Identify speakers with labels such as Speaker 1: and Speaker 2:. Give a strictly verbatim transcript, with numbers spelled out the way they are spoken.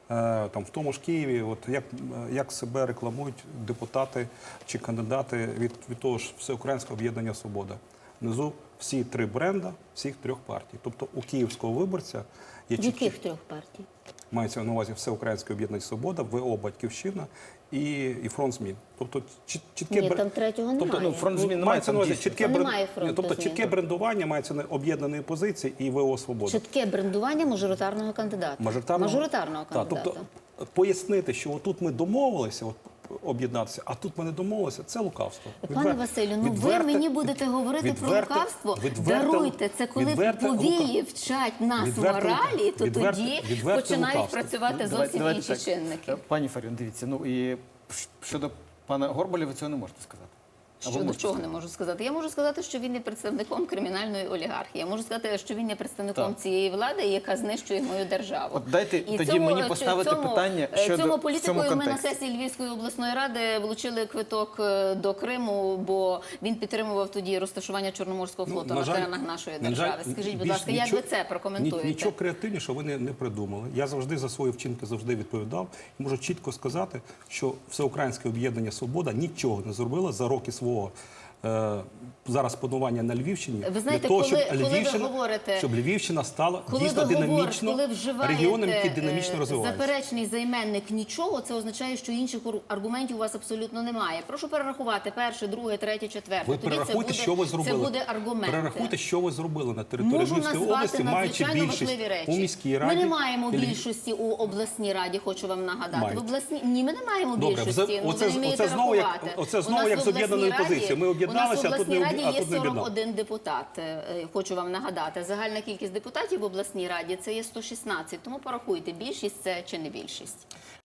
Speaker 1: там в тому ж Києві, от як, як себе рекламують депутати чи кандидати від, від того ж Всеукраїнського об'єднання «Свобода». Внизу всі три бренда всіх трьох партій. Тобто у київського виборця є чіткі...
Speaker 2: Яких трьох партій?
Speaker 1: Мається на увазі Всеукраїнське об'єднання «Свобода», ВО «Батьківщина» і, і «Фронт змін». Тобто чітке...
Speaker 2: Ні, там третього немає.
Speaker 1: Тобто, ну, «Фронт змін» мається на увазі чітке, бренд...
Speaker 2: немає фронту
Speaker 1: тобто,
Speaker 2: змін.
Speaker 1: чітке брендування мається на об'єднаної позиції і ВО «Свобода».
Speaker 2: Чітке брендування мажоритарного кандидата.
Speaker 1: Мажоритарного,
Speaker 2: Мажоритарного кандидата.
Speaker 1: Так, тобто пояснити, що отут ми домовилися, от, об'єднатися, а тут ми не домовилися, це лукавство.
Speaker 2: Пане
Speaker 1: Відвер...
Speaker 2: Василю, ну
Speaker 1: відверте...
Speaker 2: ви мені будете говорити
Speaker 1: відверте...
Speaker 2: про лукавство?
Speaker 1: Відверте...
Speaker 2: Даруйте, це коли
Speaker 1: відверте...
Speaker 2: повії вчать нас
Speaker 1: відверте...
Speaker 2: моралі, то
Speaker 1: відверте...
Speaker 2: тоді
Speaker 1: відверте
Speaker 2: починають
Speaker 1: лукавство.
Speaker 2: працювати зовсім
Speaker 3: Давайте
Speaker 2: інші
Speaker 3: так.
Speaker 2: чинники.
Speaker 3: Пані Фаріон, дивіться, ну і щодо пана Горбаля ви цього не можете сказати. Або
Speaker 2: Щодо
Speaker 3: можете
Speaker 2: чого
Speaker 3: сказати?
Speaker 2: не можу сказати? Я можу сказати, що він є представником кримінальної олігархії. Я можу сказати, що він є представником
Speaker 3: Так.
Speaker 2: цієї влади, яка знищує мою державу.
Speaker 3: От дайте
Speaker 2: І
Speaker 3: тоді
Speaker 2: цьому-
Speaker 3: мені поставити
Speaker 2: цьому-
Speaker 3: питання щодо-
Speaker 2: цьому
Speaker 3: в цьому
Speaker 2: політикою ми на
Speaker 3: контексті.
Speaker 2: сесії Львівської обласної ради влучили квиток е, до Криму, бо він підтримував тоді розташування Чорноморського флоту на теренах нашої
Speaker 1: на жаль,
Speaker 2: держави. Скажіть, будь
Speaker 1: більш
Speaker 2: ласка, як
Speaker 1: нічого-
Speaker 2: ви це прокоментуєте?
Speaker 1: ні- Нічого креативнішого ви не, не придумали. Я завжди за свої вчинки завжди відповідав. І можу чітко сказати, що Всеукраїнське об'єднання «Свобода» нічого не зробило за роки свого е, зараз панування на Львівщині.
Speaker 2: Ви знаєте,
Speaker 1: для того,
Speaker 2: коли-
Speaker 1: щоб
Speaker 2: коли ви
Speaker 1: Львівщина,
Speaker 2: говорите-
Speaker 1: щоб Львівщина стала
Speaker 2: Коли
Speaker 1: дійсно
Speaker 2: ви говорите,
Speaker 1: динамічно
Speaker 2: коли вживаєте
Speaker 1: регіоном, який динамічно
Speaker 2: е,
Speaker 1: розвивається.
Speaker 2: заперечний займенник нічого, це означає, що інших ур- аргументів у вас абсолютно немає. Прошу перерахувати перше, друге, третє, четверте.
Speaker 1: Ви
Speaker 2: Тоді це
Speaker 1: перерахуйте,
Speaker 2: буде,
Speaker 1: що ви зробили.
Speaker 2: Це буде аргументи.
Speaker 1: Перерахуйте, що ви зробили на території
Speaker 2: Можу
Speaker 1: Львівської
Speaker 2: назвати
Speaker 1: області, маючи
Speaker 2: надзвичайно
Speaker 1: більшість
Speaker 2: важливі речі.
Speaker 1: у міській раді.
Speaker 2: Ми не маємо
Speaker 1: і Львів-
Speaker 2: більшості у обласній раді, хочу вам нагадати.
Speaker 1: Маєте.
Speaker 2: В обласній... Ні, ми не маємо
Speaker 1: Добре,
Speaker 2: більшості.
Speaker 1: оце-
Speaker 2: Ну,
Speaker 1: оце-
Speaker 2: ви не вмієте
Speaker 1: оце знову як-
Speaker 2: рахувати.
Speaker 1: оце
Speaker 2: У
Speaker 1: знову
Speaker 2: нас
Speaker 1: як
Speaker 2: в
Speaker 1: з об'єднаної
Speaker 2: обласній раді-
Speaker 1: позиції. Ми об'єдналися,
Speaker 2: У нас в
Speaker 1: а тут не
Speaker 2: обласній
Speaker 1: об'є-
Speaker 2: раді
Speaker 1: а
Speaker 2: є
Speaker 1: тут не об'єднали.
Speaker 2: сорок один депутат. Е, Хочу вам нагадати. Загальна кількість депутатів в обласній раді це є сто шістнадцять. Тому порахуйте, більшість це чи не більшість.